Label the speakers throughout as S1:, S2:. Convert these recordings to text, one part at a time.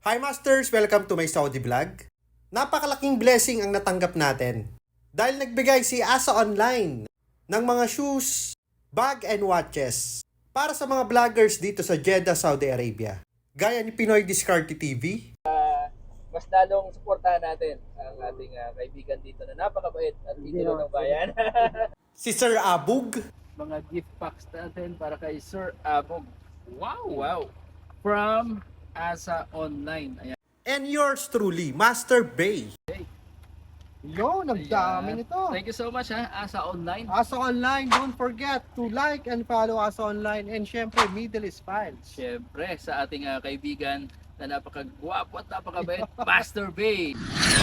S1: Hi Masters! Welcome to my Saudi vlog. Napakalaking blessing ang natanggap natin dahil nagbigay si Asa Online ng mga shoes, bag and watches para sa mga vloggers dito sa Jeddah, Saudi Arabia. Gaya ni Pinoy Discarte TV.
S2: Mas lalong suportahan natin ang ating kaibigan dito na napakabait at idolo ng bayan.
S1: Si Sir Abug.
S2: Mga gift packs natin para kay Sir Abog. Wow! From Asa Online. Ayan.
S1: And yours truly, Master Bay.
S3: Yo, nagdami nito.
S2: Thank you so much Asa Online.
S3: Asa Online, don't forget to like and follow Asa Online, and syempre Middle East Files.
S2: Siyempre sa ating kaibigan na napakagwapo at napakabait, Master Bay.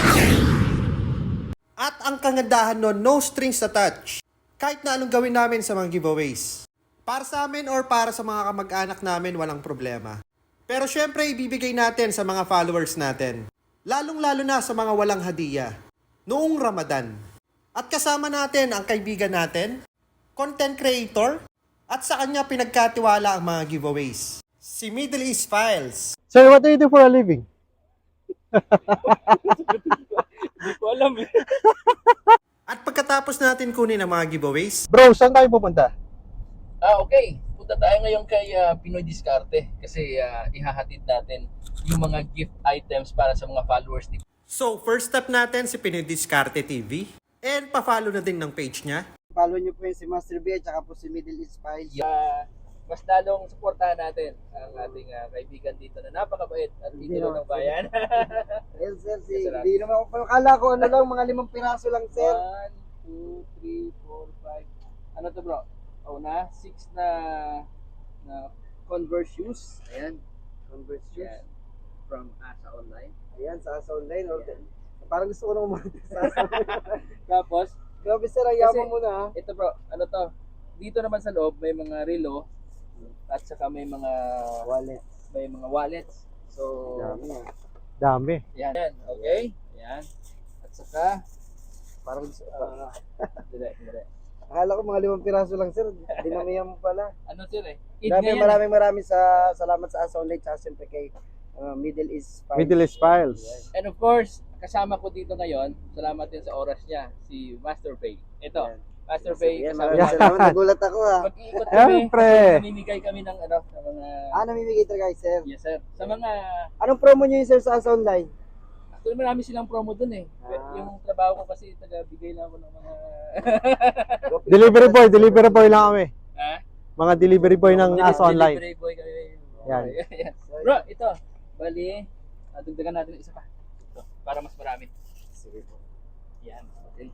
S1: At ang kagandahan nun, no strings attached. Kahit na anong gawin namin sa mga giveaways. Para sa amin or para sa mga kamag-anak namin, walang problema. Pero syempre, ibibigay natin sa mga followers natin. Lalong-lalo na sa mga walang hadiah. Noong Ramadan. At kasama natin ang kaibigan natin, content creator, at sa kanya pinagkatiwala ang mga giveaways. Si Middle East Files.
S3: Sir, what do you do for a living?
S2: Hindi ko alam eh.
S1: At pagkatapos natin kunin ang mga giveaways,
S3: Bro, saan tayo pupunta?
S2: Okay. Punta tayo ngayon kay Pinoy Discarte kasi ihahatid natin yung mga gift items para sa mga followers ni.
S1: so first step natin si Pinoy Discarte TV. And pa-follow na din ng page niya.
S4: Follow nyo po yun si Master B at saka po si Middle East Files.
S2: Mas lalong suportahan natin ang ating kaibigan dito na napakabait at idolo ng bayan.
S4: Ayun sir,
S2: Yes, sir.
S4: hindi naman ako, akala ko ano lang, mga 5 piraso lang sir.
S2: 1, 2, 3, 4, 5. Ano to bro? Oh na, 6 na Converse shoes. Ayan.
S4: Converse shoes.
S2: Ayan. From Asa Online.
S4: Ayan, sa Asa Online. Parang gusto ko naman sa Asa Online.
S2: Tapos,
S4: Grabe sir, ang yaman mo na ha.
S2: ito bro, ano to? Dito naman sa loob may mga relo at saka may mga wallets. So,
S4: Dami ah.
S3: Dami.
S2: yan. Okay? Yan. At saka,
S4: Parang gusto
S2: dire.
S4: Akala ko mga 5 piraso lang sir. Dinamihan mo pala.
S2: Ano sir eh? Eid
S4: Grabe,
S2: ngayon,
S4: maraming salamat sa Asa Online at siyempre kay Middle East Files.
S3: Middle East Files.
S2: And of course, kasama ko dito ngayon, salamat din sa oras niya, si Master Pay. Ito,
S4: Ayan.
S2: Master Pay,
S4: Ayan,
S2: kasama
S4: maraming salamat. Nagulat ako ha.
S2: Mag-iikot kami,
S3: Siyempre.
S2: namimigay kami ng mga,
S4: Namimigay talaga kayo sir.
S2: yes sir, sa mga,
S4: Anong promo nyo yun sir sa Asa Online?
S2: actually marami silang promo dun eh.
S4: Ah.
S2: Yung trabaho ko kasi, taga-bigay lang ako ng mga,
S3: Delivery boy lang kami.
S2: ha?
S3: Mga delivery boy ng Asa Online.
S2: Delivery boy kami.
S3: Yan.
S2: Yan. Bro, ito, bali, dagdagan natin isa pa. Ito, para mas marami.
S4: Sige po.
S2: Yan, okay.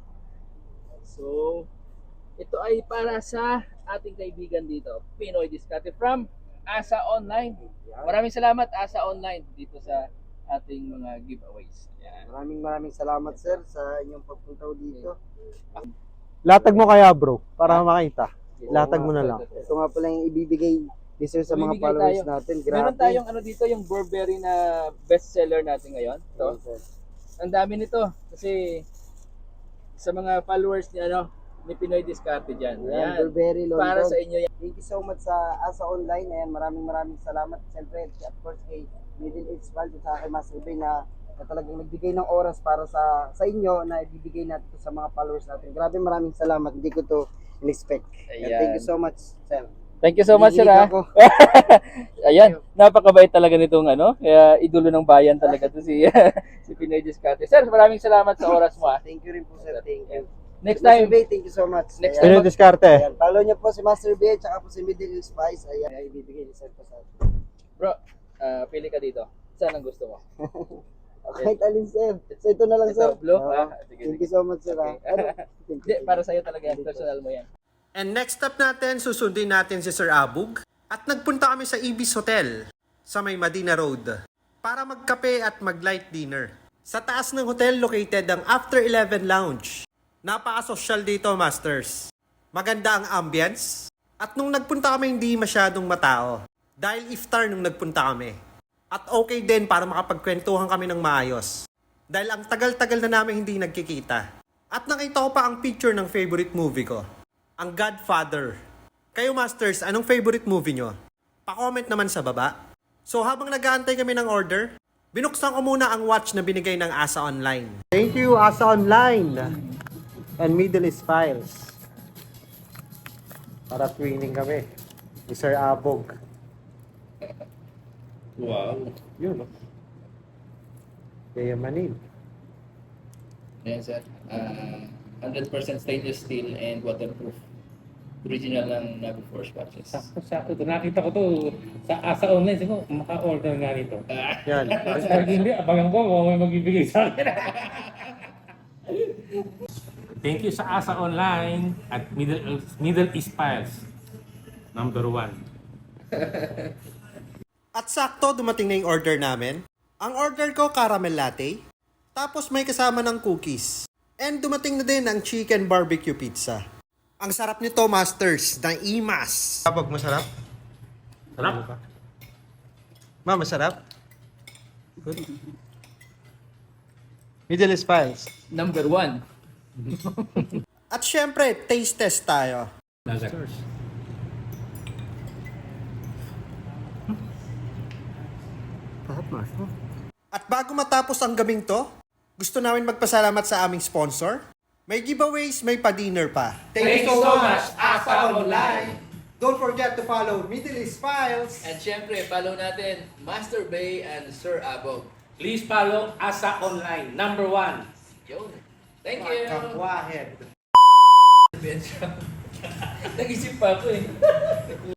S2: So, ito ay para sa ating kaibigan dito, Pinoy Discarte from Asa Online. Maraming salamat Asa Online dito sa ating mga giveaways. Yan.
S4: Maraming salamat sir sa inyong pagpunta dito.
S3: Latag mo kaya bro, para makita. Latag mo na lang.
S4: Ito nga pala yung ibibigay ni sir sa mga
S2: Ibibigay
S4: followers
S2: tayo.
S4: natin. Grabe.
S2: Meron tayong ano dito, yung Burberry na bestseller natin ngayon. Ito.
S4: Ayun, sir.
S2: Ang dami nito kasi sa mga followers ni ni Pinoy Discarte diyan.
S4: Ayan,
S2: Ayan.
S4: Burberry, London.
S2: Para sa inyo yan.
S4: Thank you so much sa Asa Online. Ayan, maraming salamat. Siyempre, of course, kay Middle East Files at saka kay Master Bay na talagang nagbigay ng oras para sa inyo na ibibigay natin to sa mga followers natin. Grabe, maraming salamat. Hindi ko to in-expect.
S2: Ayan.
S4: Thank you so much, sir.
S2: Thank you so much, sir.
S4: Hihilig ako.
S2: Ayan, napakabait talaga nitong kaya idolo ng bayan talaga to si si Pinoy Discarte. Sir, maraming salamat sa oras mo.
S4: Thank you rin po, sir. Thank you.
S2: Next
S4: Master
S2: time,
S4: Bay, thank you so much.
S2: Next
S3: Pinoy Discarte.
S4: Ayan, follow niyo po si Master B at saka po si Middle East Spice. Ayan, ay ibibigay ni Sir po sa atin.
S2: bro, pili ka dito. Saan ang gusto mo?
S4: Kahit alin, sir. So, ito na lang,
S2: Ito,
S4: sir.
S2: blue?
S4: Oo.
S2: Sige,
S4: Thank
S2: sige.
S4: you so much, sir.
S2: Okay.
S4: Ano? Thank
S2: Hindi,
S4: you.
S2: para sa'yo talaga yan. Personal mo yan.
S1: And next step natin, susundin natin si Sir Abug. At nagpunta kami sa Ibis Hotel sa may Madina Road para magkape at mag-light dinner. Sa taas ng hotel located ang After 11 Lounge. Napaka-social dito, Masters. Maganda ang ambience. At nung nagpunta kami, hindi masyadong matao. Dahil iftar nung nagpunta kami. At okay din para makapagkwentuhan kami ng maayos. Dahil ang tagal-tagal na namin hindi nagkikita. At nakita ko pa ang picture ng favorite movie ko. Ang Godfather. Kayo Masters, anong favorite movie nyo? Pa-comment naman sa baba. So habang nag-aantay kami ng order, Binuksan ko muna ang watch na binigay ng Asa Online.
S3: Thank you, Asa Online and Middle East Files. Para twinning kami ni Sir Abog.
S2: Wow.
S3: Yun, no? Kaya manin.
S2: Ayan sir. 100% stainless steel and waterproof. Original ng Navi Force watches.
S5: Sakto. Nakita ko to sa Asa Online. Siguro, maka-order nga nito.
S3: Yan.
S5: Pag hindi, abangan ko kung may magbibigay sa akin. Thank you sa Asa Online at Middle East Files. Number 1.
S1: At sakto, dumating na yung order namin. Ang order ko, caramel latte. Tapos may kasama ng cookies. And dumating na din ang chicken barbecue pizza. Ang sarap nito, Masters, ng Imas. Abog, masarap?
S5: Sarap.
S3: Ma, masarap? Good. Middle East Files.
S2: Number 1.
S1: At syempre, taste test tayo. At bago matapos ang gabing to, gusto namin magpasalamat sa aming sponsor. May giveaways, may pa-dinner pa.
S2: Thank you so much, Asa Online.
S3: Don't forget to follow Middle East Files.
S2: And syempre, follow natin Master Bay and Sir Abog.
S5: Please follow Asa Online. Number 1.
S2: Yun. Thank you.
S3: Wahed.
S2: Nag-isip pa ako eh.